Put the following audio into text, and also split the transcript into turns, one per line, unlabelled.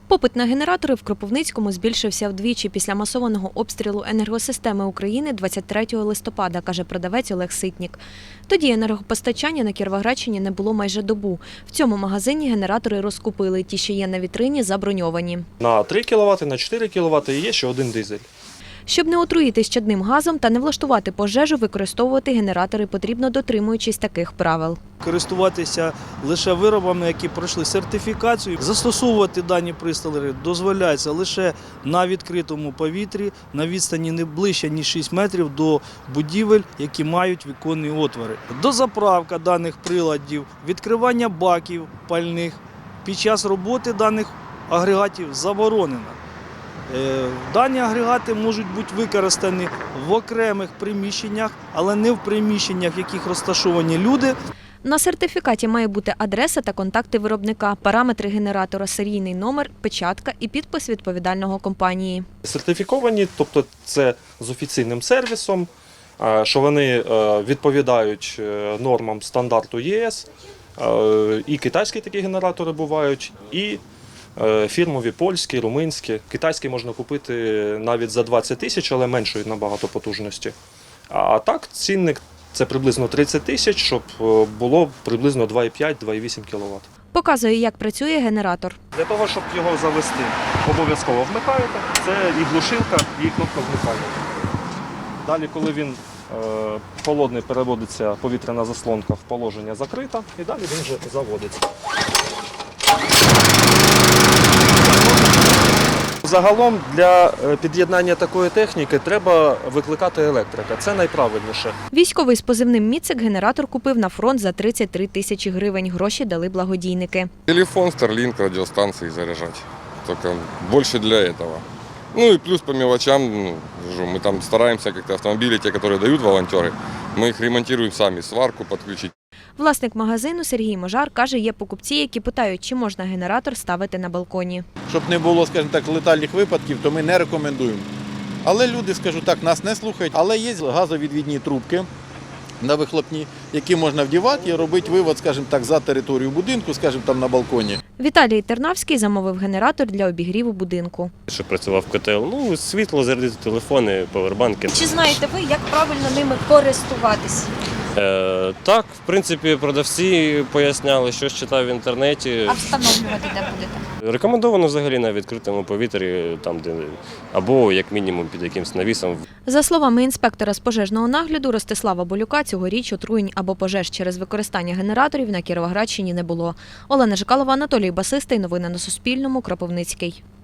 Попит на генератори в Кропивницькому збільшився вдвічі після масованого обстрілу енергосистеми України 23 листопада, каже продавець Олег Ситнік. Тоді енергопостачання на Кіровоградщині не було майже добу. В цьому магазині генератори розкупили. Ті, що є на вітрині, заброньовані.
На 3 кВт, на 4 кВт і є ще один дизель.
Щоб не отруїтись чадним газом та не влаштувати пожежу, використовувати генератори потрібно, дотримуючись таких правил.
Користуватися лише виробами, які пройшли сертифікацію. Застосовувати дані пристрої дозволяється лише на відкритому повітрі, на відстані не ближче, ніж 6 метрів до будівель, які мають віконні отвори. Дозаправка даних приладів, відкривання баків пальних під час роботи даних агрегатів заборонено. Дані агрегати можуть бути використані в окремих приміщеннях, але не в приміщеннях, в яких розташовані люди.
На сертифікаті має бути адреса та контакти виробника, параметри генератора, серійний номер, печатка і підпис відповідального компанії.
Сертифіковані, тобто це з офіційним сервісом, що вони відповідають нормам стандарту ЄС, і китайські такі генератори бувають, і фірмові, польські, румунські. Китайські можна купити навіть за 20 тисяч, але меншої набагато потужності. А так цінник – це приблизно 30 тисяч, щоб було приблизно 2,5-2,8 кВт.
Показує, як працює генератор.
Для того, щоб його завести, обов'язково вмикаєте. Це і глушилка, і кнопка вмикання. Далі, коли він холодний, переводиться повітряна заслонка в положення закрита, і далі він вже заводиться. Загалом для під'єднання такої техніки треба викликати електрика. Це найправильніше.
Військовий з позивним «Міцик» генератор купив на фронт за 33 тисячі гривень. Гроші дали благодійники.
Телефон, Starlink, радиостанции заряжать. Только больше для этого. Ну и плюс по мелочам, мы там стараемся как-то автомобили, те, которые дают волонтеры, мы их ремонтируем сами, сварку подключить.
Власник магазину Сергій Можар каже, є покупці, які питають, чи можна генератор ставити на балконі.
Щоб не було, скажімо так, летальних випадків, то ми не рекомендуємо. Але люди, скажу так, нас не слухають. Але є газовідвідні трубки на вихлопні, які можна вдівати і робити вивод, скажімо так, за територію будинку, скажімо, там на балконі.
Віталій Тернавський замовив генератор для обігріву будинку.
Щоб працював котел, світло, зарядити телефони, павербанки.
Чи знаєте ви, як правильно ними користуватись?
Так, в принципі, продавці поясняли, що читав в інтернеті.
А встановлювати де будете?
Рекомендовано взагалі на відкритому повітрі, там, де, або як мінімум під якимось навісом.
За словами інспектора з пожежного нагляду Ростислава Болюка, цьогоріч отруєнь або пожеж через використання генераторів на Кіровоградщині не було. Олена Жикалова, Анатолій Басистий. Новини на Суспільному. Кропивницький.